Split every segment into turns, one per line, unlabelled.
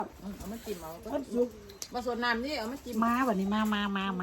เอามาจิ้มเอา
มันสุก
ผสมน้ำนี่เอามาจิ้ม
มาวันนี้มา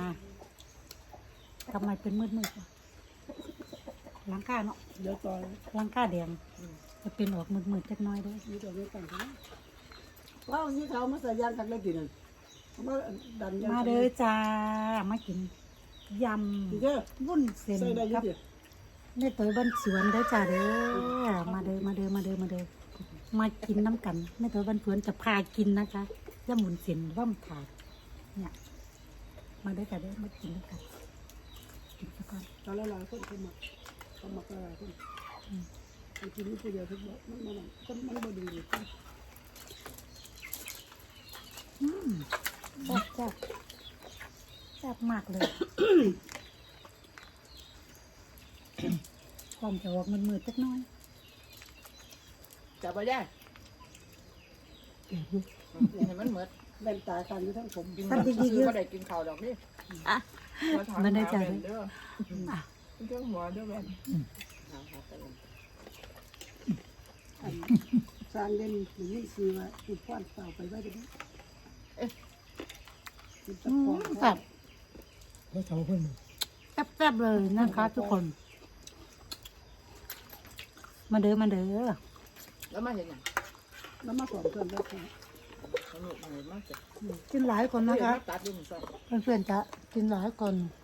ทำไมเป็นมืดล้างก้าเนาะ
เดี๋ยวต่อ
ล้างก้าแดงจะเป็นออกมืดจักหน้อยเด้วย
นี่ตัวนี้ต่างกันว้าวนี่เขามาใส่ยางกันเลยทีนึงมาดันยาง
มาเด้อจ้ามากินย
ทีเด้อ
ำวุ้นเส้น
ใส่ได้
ครับ
ยี่สิบ
แม่ตัวบ้านสวนเด้อจ้าเด้อมาเด้อมากินน้ำกันแม่ตัวบ้านสวนจะพากินนะคะย่ำหมุนเส้นว่ำถาดเนี่ยมาเด้อจ้าเด้อมากินน้ำกันกินสักก่อน
ตอนแรกคนเขามาอะไรคนกินนี่ตัวเดียวทุกแบบมันบ่ดีเลย
แซ่บมากเลยความจะออกมืดจักหน้อย
จับไปได้เห็นมันเหมือน
แว่นตากันอยู่ทั้งผม
กินแบบซื้อก็ได้กินข้าวดอกนี่
มันได้ใจเล
เด้
ย
อเครื่องหัวด้วยแม่
สร้างเด่นหรือนี่คือว่าจุดป้อนเต่าไปไว้ได้ไหมจุดตะปอน
แซ่บ
เขาเต่าเพิ่น
แซ่บเลยนะคะทุกคน มาเด้อ
แล้วมาเห็นอย่าง
แล้วมาสอนเพิ่นแล้วค่ะ
สนุกเลยมากจ้ะ
กินหลายคนนะคะ
ตัดดินซะ
เพื่อนๆจะกินหลายคน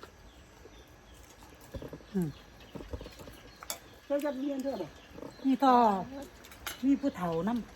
เพิ่นจะเรียนเท่าไหร่
นี่ก็มีผู้เฒ่าน้ำ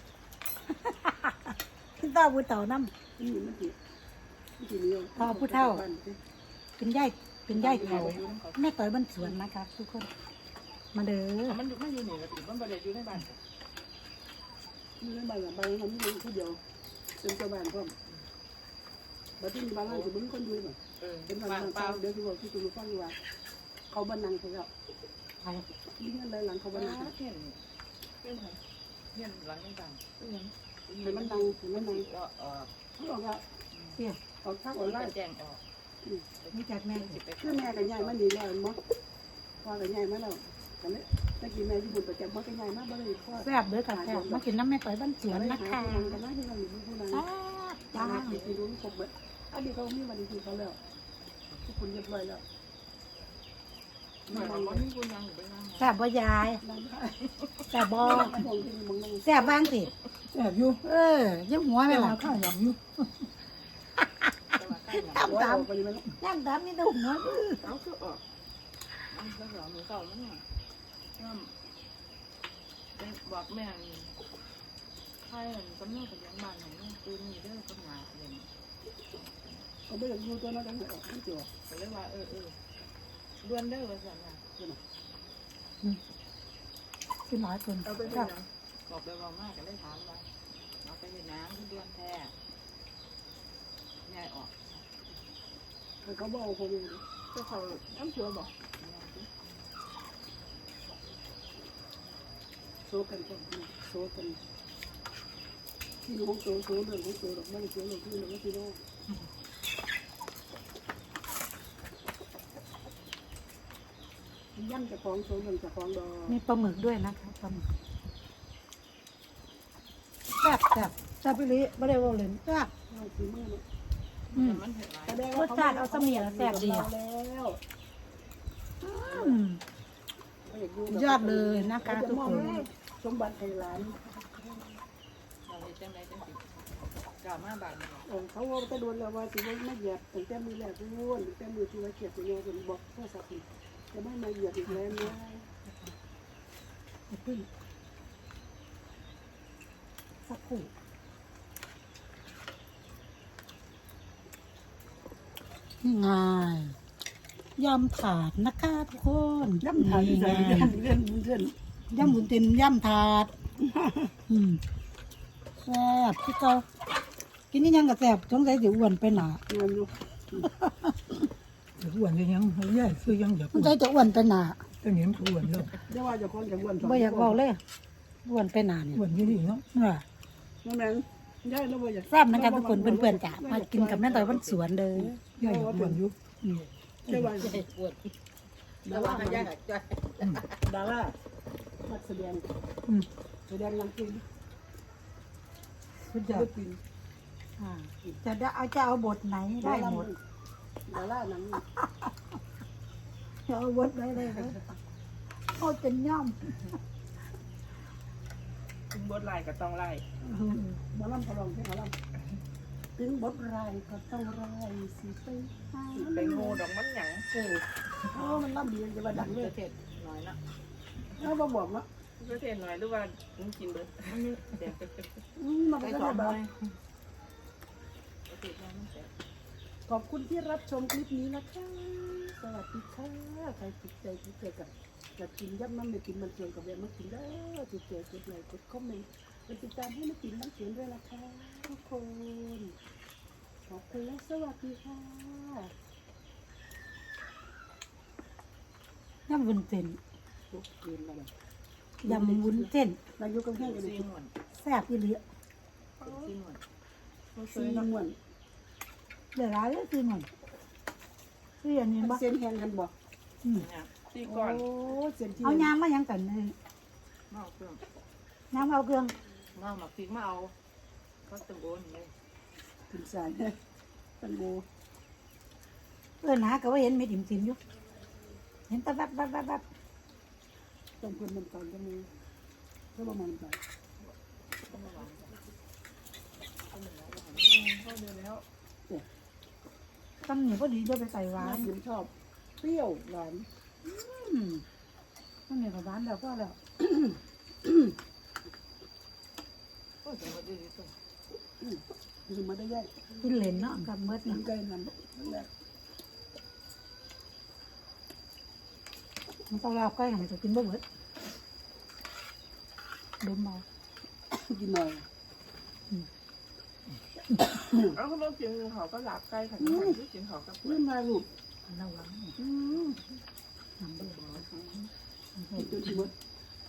พี่ต้าผู้เฒ่าน้ำ
มันกี่นิ้ว
เป็นย่ายเขาแม่ต่อยบ้านสวนนะคะทุกคน มาเด้อ
มันไม่อยู่นี่ละติมันประเดี๋ยวอยู่ในบ้าน
มีใบกับใบมันมีผู้เดียวเป็นเจ้าบ้านพร้อมบัดนี้บ้านเราจะบึ้งคนดูบ่เป็นบ้านเปล่าเดี๋ยวที่บอกที่คุณฟังว่าเขาบ้านนังเขาแล้ว
ใคร
มีเงินหลังเขาบ้านนัง
เห็นเห็นหลังต่าง
เห็นมันดังเห็นมันดัง
ก็
เขาบอกว่า
เตี้ย
ออกทักออนไลน์
แจ้งออก
นี่จากแม่
คือแม่กับยายมันดีแล้วมั้งพ่อกับยายมาแล้วกันเนี่ยตะกี้แม่ที่บุญประจำพ่อกับยายมาบ่ได้พ่อ
แซ่บเด้อค่ะแซ่บมากินน้ำแม่ต่อยบ้านสวนนะคะ
กันนะที่เราอยู่ผู้นั้น
จ้า
ที่รู้ครบเลยอันนี้เขามีวันที่เขาแล้วทุกคนเรียบร้อยแล้ว
หน่อยมันนี่คุณยังไปนั่ง
แซ่บบ่ยาย
นั่งได้
แซ่บบ่
มองที่มึงนั่ง
แซ่บบ้างสิ
แอบอยู่
ยังหัวไหมล่ะ
ข้าวหยำอยู่
ตามตาม
ไปยังไง
ย่างตามนี่ตัวหัว
เอาคือออกแล้วเหรอมือเก่ามั้งบอกแม่ใครกำลังกับยังบ้านของปืนมีเด้อปัญหาเลย
เขาไม่ได้ดูตัวนั้นกันเลยไม่เจอ
ก็เลยว่าดวนเด้อว่าสั่นว่า
กินหลายคน
เอาไป
ครับ
บอกไปบอกมากก็เลยถามว่าเอาไปเห็นน้ำที่ดวนแท้ยายออก
เขาบอกเขาดู
ก็เขาน้ำเชื่อบอก
โซกันก่อนโซกันที่น้องโซเรื่องของโซดอกมันเสียเรื่องที่น้องที่น้องย่ำจะฟ้องโซเรื่องจะฟ้องดอ
มีปลาหมึกด้วยนะคะปลาหมึกแซ่บไปเลยไม่ได้ว่าเลยแซ่บ
เอาสีมือเนาะ
มันเห็นไร
รสชาติเอาเสมียแล้วแซ่บดี
แล้ว
ยอดเลยนะคะทุกคน
สมบัติไทยร้าน
เราเห็นจังไรจังสิกล่าวมาบาท
เขาว่าจะโดนแล้วว่าสิว่าไม่เหยียบตั้งแต่มือแรกล้วนตั้งแต่มือที่ว่าเกียบตัวเองคนบอกโทรศัพท์จะไม่มาเหยียบอีกแล้วนะ
สักครู่นี่ไงยำถาดนะคะทุกคน
ย่ำถาดใส่เลื่อน
ยำบุญเต็มยำถาดแซ่บพี่เจ้ากินนี่ยังกับแซ่บสงสัยจะอ้วนไปหนา
เงินอยู่
อ้วนเลยยังเรื่อยคือยังอยาก
สงสัยจะอ้วนไปหนา
ตัวนี้มันอ้วนเลย
เดี๋ยวว่าจะคนจะอ้วน
ไม่อยากบอกเลยอ้วนไปหนาเนี่ย
อ้วนอยู่นี่เนาะ
นั่นแหละได้แล้วว่าอยาก
แซ่บนะคะทุกคนเพื่อนๆจ้ะมากินกับแม่ต่อยบ้านสวนเลย
ย่าอยากอ้วนอยู่
ได้ว่า
ปวดแล้วว่าย่าจ้ะ
ดารานักแสดงนำจริง
สุดย
ศิ
อ
ล
ด
ปิน
อ่าจะเอาบทไหนได้หมด
ดาราหนัง
จะเอาบทไหนได้หมดเขาจะย่อม
ถึงบทไล่ก็ต้องไล่
หมอลำเขาลองเพลงหมอลำถึงบทรายก็ต้องรายสิไปหา
ไปโง่ดอกมันหยัง
มันลำดีจะมาดังเลย
เทศน้อยนะ
แล้วมาบอกเนาะ
เทศน้อยหรือว่ามึงกินเบิดเด็ก
มัน
ไป
ก็
สอ
จะ
น
แบ
น้
บ
อยเทศน้อยมันแสบ
ขอบคุณที่รับชมคลิปนี้นะคะสวัสดีค่ะใครติดใจที่เจอกับจะกินยับมันไม่กินมันเสียงกับแบบมันกินได้ติดใจกดไลค์กดคอมเมนต์ไปติดตามให้ไม่กินมันเสียงด้วยนะคะทุกคนขอบคุณและสวัสดีค่ะ
ยำวุ้นเส้น
ทุกเย็นแล้ว
ยำวุ้นเส้น
นายกกำแพงกัน
ซี
เลย
หมวน
แซ่บอีหลี
ซีหมวน
ซีนวล
เดี๋ยวร้านเลยคือหน่อยคืออย่างนี้บ่
เส้นแห้งกันบ่
อืม
เนี่ยซี
โอ้
ก่อน
เส้นที่
เอายางมายังกันเลย
มาเอาเครื่อง
น้ำเอาเครื่อง
มาหมักพริกมาเอาก็ตึงโอนเลย
ถึงสายตันโบ
หาก็ว่าเห็นเม็ดอิ่มซิมอยู่เห็นแตะแบบแบบ
ต้องเพิ่มน้ำตาลจะมีก็ประมาณนั้น
ก็เดือนแล้ว
ตำหนิพอดีจะไปใส่หวา
ร้าน นผมชอบเปรี้ยวหวาน
ตำหนิกับหวานแล้วก็แล้ว
ก็จะมาดีที่สุด
คือมาได้แยก
กินเหลนเนาะกับเมื่อ
กิ
นะ
นไก่น้ำนั่นแหละ
มันต้องลาบใกล้มันจะกินบ่เบิดดมเบา
กินหน่อย
เอาเขาบอกกินเขาก็หลับใกล้ค่ะที่กินเขาก็
นี่มาลูก
ระวังน้ำเบื่อ
กินจนหมด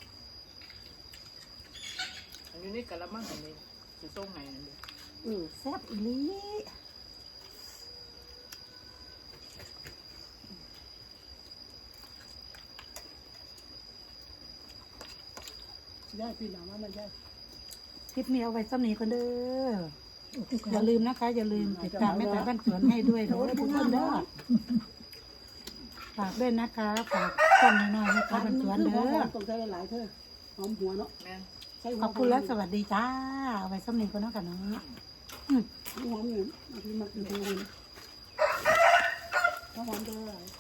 อันนี้นี่กะละมังอันนี้จะส่งไหนอันนี้
แซ่บอีหลี
ได้พี่น้องว่ามันได้
คลิปนี้เอาไว้สำนีกันเด้ออย่าลืมนะคะ อย่าลืมติดตามแม่แต่บ้านสวนให้ด้วยเด้อทุกคนเด้อฝากด้วยนะคะฝากช่องน้อยๆแม่แต่บ้านสวนเด้อ
ต้องใช้หลายเธอหอมหัวเนาะ
แม่
ขอบคุณและสวัสดีจ้าเอาไว้สำนีกันเนาะกันเนาะ
หอมอยู่บางทีมากินหัวหอมด้วย